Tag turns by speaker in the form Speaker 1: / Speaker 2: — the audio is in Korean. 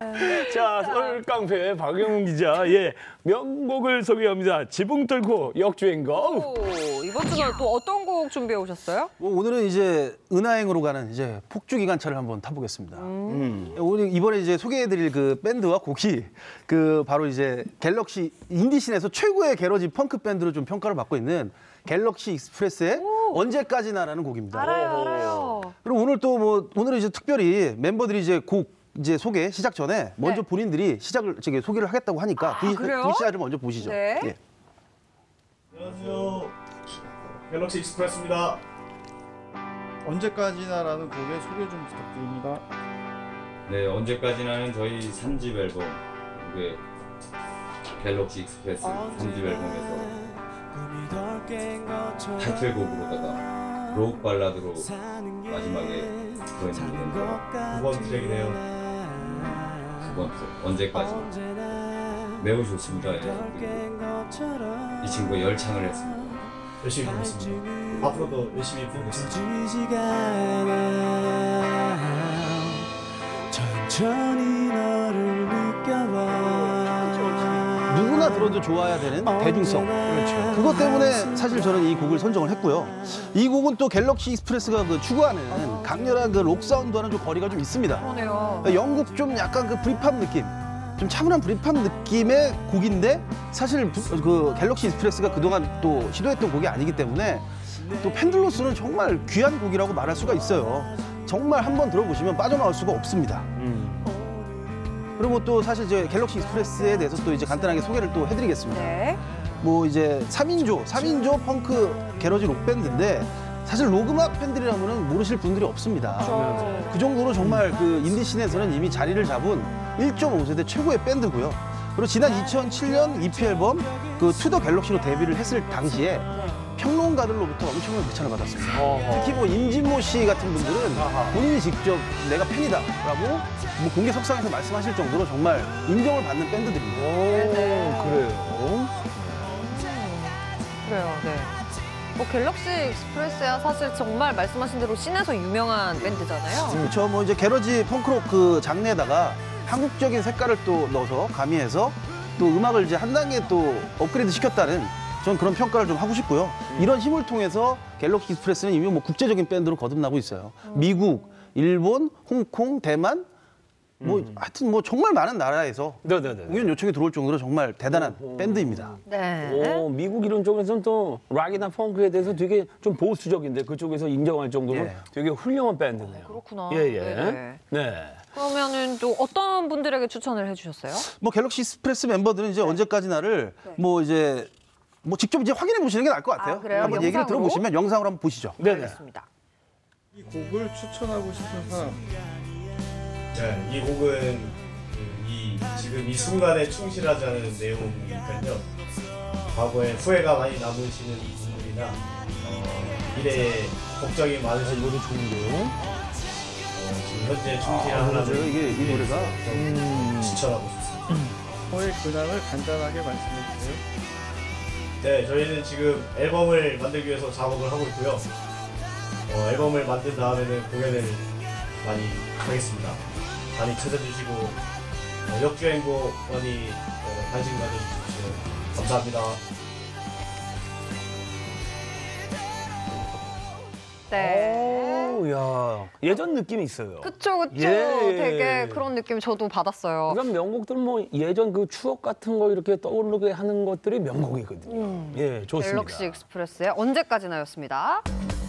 Speaker 1: 자, 서울 깡패 박영훈 기자, 명곡을 소개합니다. 지붕 뚫고 역주행거.
Speaker 2: 오, 이번 주는 또 어떤 곡 준비해 오셨어요?
Speaker 3: 오늘은 이제 은하행으로 가는 이제 폭주 기관차를 한번 타보겠습니다. 오늘 이번에 이제 소개해드릴 그 밴드와 곡이 그 바로 이제 갤럭시 인디씬에서 최고의 게러지 펑크 밴드로 좀 평가를 받고 있는 갤럭시 익스프레스의 언제까지나라는 곡입니다.
Speaker 2: 알아요.
Speaker 3: 그리고 오늘 또 뭐 오늘은 이제 특별히 멤버들이 이제 곡 이제 소개 시작 전에 먼저 본인들이 소개를 하겠다고 하니까 그 시작을 먼저 보시죠.
Speaker 2: 네.
Speaker 3: 예.
Speaker 4: 안녕하세요. 갤럭시 익스프레스입니다.
Speaker 5: 언제까지나라는 곡의 소개 좀 부탁드립니다.
Speaker 6: 네, 언제까지나는 저희 3집 앨범, 이게 갤럭시 익스프레스 3집 앨범에서 타이틀곡으로다가 록 발라드로 마지막에 들어있는 노래인데요.
Speaker 4: 9번 트랙이네요.
Speaker 6: 9번 트랙, 언제까지. 매우 좋습니다. 이 친구가 열창을 했습니다.
Speaker 4: 열심히 부르겠습니다. 앞으로도 열심히 부르겠습니다.
Speaker 3: 누구나 들어도 좋아야 되는 대중성. 그렇죠. 그것 때문에 사실 저는 이 곡을 선정을 했고요. 이 곡은 또 갤럭시 익스프레스가 그 추구하는 강렬한 그 록 사운드와는 좀 거리가 좀 있습니다.
Speaker 2: 그러네요.
Speaker 3: 영국 좀 약간 그 브릿팝 느낌, 좀 차분한 브릿팝 느낌의 곡인데 사실 그 갤럭시 익스프레스가 그동안 또 시도했던 곡이 아니기 때문에 또 팬들로서는 정말 귀한 곡이라고 말할 수가 있어요. 정말 한번 들어보시면 빠져나올 수가 없습니다. 그리고 또 사실 이제 갤럭시 익스프레스에 대해서 또 이제 간단하게 소개를 또 해드리겠습니다.
Speaker 2: 네.
Speaker 3: 뭐 이제 3인조 펑크 게러지 록 밴드인데 사실 록음악 팬들이라면은 모르실 분들이 없습니다.
Speaker 2: 그렇죠.
Speaker 3: 그 정도로 정말 그 인디씬에서는 이미 자리를 잡은 1.5세대 최고의 밴드고요. 그리고 지난 2007년 EP 앨범 그 투 더 갤럭시로 데뷔를 했을 당시에 평론가들로부터 엄청난 극찬을 받았습니다. 특히 뭐 임진모 씨 같은 분들은 본인이 직접 내가 팬이다라고 뭐 공개 석상에서 말씀하실 정도로 정말 인정을 받는 밴드들입니다.
Speaker 1: 그래요?
Speaker 2: 그래요, 네. 뭐 갤럭시 익스프레스야 사실 정말 말씀하신 대로 씬에서 유명한 밴드잖아요.
Speaker 3: 그렇죠. 뭐 이제 게러지 펑크록 그 장르에다가 한국적인 색깔을 또 넣어서 가미해서 또 음악을 이제 한 단계 또 업그레이드 시켰다는 전 그런 평가를 좀 하고 싶고요. 이런 힘을 통해서 갤럭시 익스프레스는 이미 뭐 국제적인 밴드로 거듭나고 있어요. 미국, 일본, 홍콩, 대만 뭐 하여튼 뭐 정말 많은 나라에서 공연 요청이 들어올 정도로 정말 대단한 밴드입니다.
Speaker 2: 네.
Speaker 1: 미국 이런 쪽에서는 또 락이나 펑크에 대해서 되게 좀 보수적인데 그쪽에서 인정할 정도로 되게 훌륭한 밴드네요.
Speaker 2: 그렇구나.
Speaker 1: 네.
Speaker 2: 그러면은 또 어떤 분들에게 추천을 해주셨어요?
Speaker 3: 뭐 갤럭시 익스프레스 멤버들은 이제 언제까지나를 뭐 이제 뭐 직접 이제 확인해 보시는 게 나을 것 같아요.
Speaker 2: 그래요?
Speaker 3: 한번 얘기를
Speaker 2: 영상으로?
Speaker 3: 들어보시면 영상으로 한번 보시죠.
Speaker 2: 알겠습니다.
Speaker 5: 이 곡을 추천하고 싶은 사람.
Speaker 4: 네, 이 곡은 지금 이 순간에 충실하지 않은 내용이니까요. 과거에 후회가 많이 남으시는 분들이나 미래에 걱정이 많으신 분들 좋은데요. 지금 현재 충실하는
Speaker 3: 이게 이 노래가
Speaker 4: 추천하고 싶습니다.
Speaker 5: 거의 근황을 간단하게 말씀해 주세요.
Speaker 4: 네, 저희는 지금 앨범을 만들기 위해서 작업을 하고 있고요. 앨범을 만든 다음에는 공연을 많이 하겠습니다. 많이 찾아주시고 역주행곡 많이 관심 가져주십시오. 감사합니다.
Speaker 2: 네.
Speaker 1: 야, 예전 느낌이 있어요.
Speaker 2: 그쵸.
Speaker 1: 예.
Speaker 2: 되게 그런 느낌 저도 받았어요.
Speaker 1: 그러니까 명곡들 뭐 예전 그 추억 같은 거 이렇게 떠오르게 하는 것들이 명곡이거든요. 예, 좋습니다.
Speaker 2: 갤럭시 익스프레스의 언제까지나였습니다.